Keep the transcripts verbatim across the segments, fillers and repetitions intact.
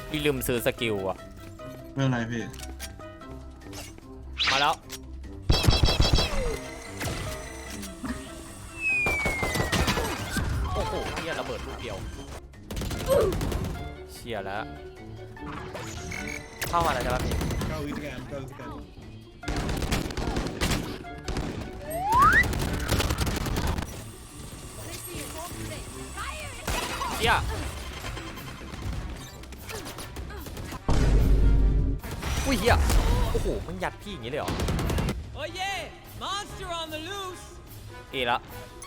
พี่ลืมซื้อสกิลอ่ะไม่เป็นไรพี่มาแล้วโอ้โหเชี่ยระเบิดลูกเดียวเชี่ยแล้วเข้ามาแล้วใช่ป่ะพี่ Go again, go again. เชี่ยอุ้ยเฮียโอ้โหมันยัดพี่อย่างนี้เลยเหรอโอ้ยเย่ monster on the loose เอละ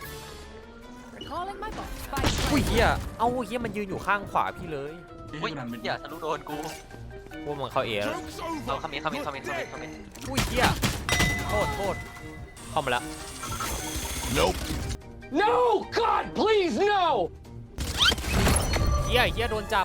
อุ้ยเฮียเอ้าเฮียมันยืนอยู่ข้างขวาพี่เลยอุ้ยอย่าทะลุโดนกูพวกมันเข้าเอแล้วเอาคำนี้คำนี้คำนี้คำนี้คำนี้อุ้ยเฮียโทษโทษเข้ามาแล้ว Nope. No! God, please, no! เฮียเฮียโดนจับ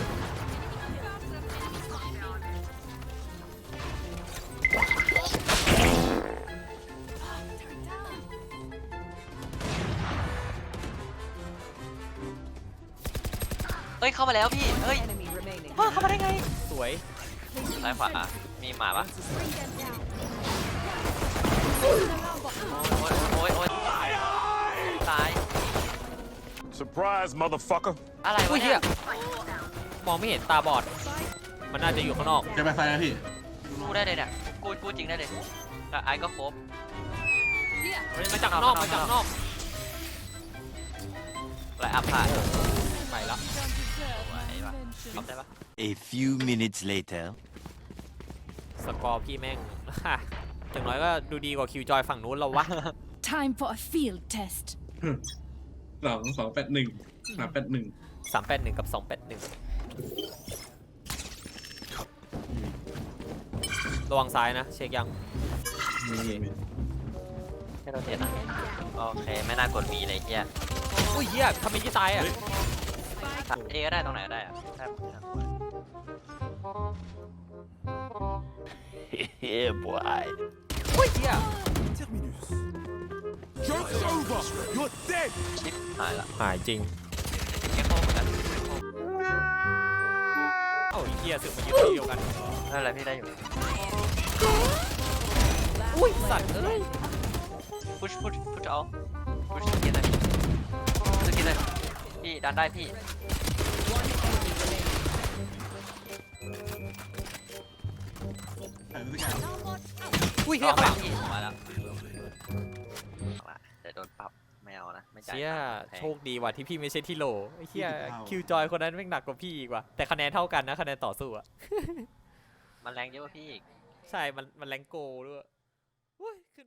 เฮ้ยเข้ามาแล้วพี่เฮ้ยว้าเข้ามาได้ไงสวยซ้ายขวามีหมาปะโอ้ยโอ้ยโอ้ยตาย Surprise, motherfucker. อะไรอุ้วะยเฮีเนี่ย ยมองไม่เห็นตาบอดมันน่าจะอยู่ข้างนอกจะไปไฟนะพี่กูได้เลยเนี่ยกูกูจริงได้เลยไอ้ก็ครบมันมาจากข้างนอกมาจากข้างนอกไรอัพผ่านไปละไหวปะทำได้ปะ A few minutes later. สกอร์พี่แม่ง อย่างน้อยก็ดูดีกว่าคิวจอยฝั่งนู้นเราวะ Time for a field test. สองสองแปดหนึ่งสามแปดหนึ่งสามแปดหนึ่งกับสองแปดหนึ่งระวังซ้ายนะเช็คยังมีมีไม่โดนเจ็ดนะโอเคไม่น่ากดมีเลยเฮียอุ้ยเฮียทำไมยี่ตายอ่ะเอก็ได้ตรงไหนก็ได้อะแทบไม่น่ากด Yeah, boy. อุ้ยเฮีย Joke's over. You're dead. ชิปหายละหายจริงเก็บโค้งเหมือนกันเอ้าไอ้เฮียสึกมายืนที่เดียวกันไม่เป็นไรพี่ได้อยู่อุ้ยสัตว์เอ้ยพุชพุชพุชเอาพุชสกินเลยสกินเลยพี่ดันได้พี่ถ่ายรูปด้วยกันอุ้ยรเฮียอข้างหลังพี่มาแล้วเดี๋ยวโดนปรับไม่เอานะไม่จ่ายเฮียแพงโชคดีว่ะที่พี่ไม่ใช่ที่โหลไอ้เฮียคิวจอยคนนั้นแม่งหนักกว่าพี่อีกว่ะแต่คะแนนเท่ากันนะคะแนนต่อสู้อะมันแรงเยอะกว่าพี่อีกใช่มันมันแรงโกด้วย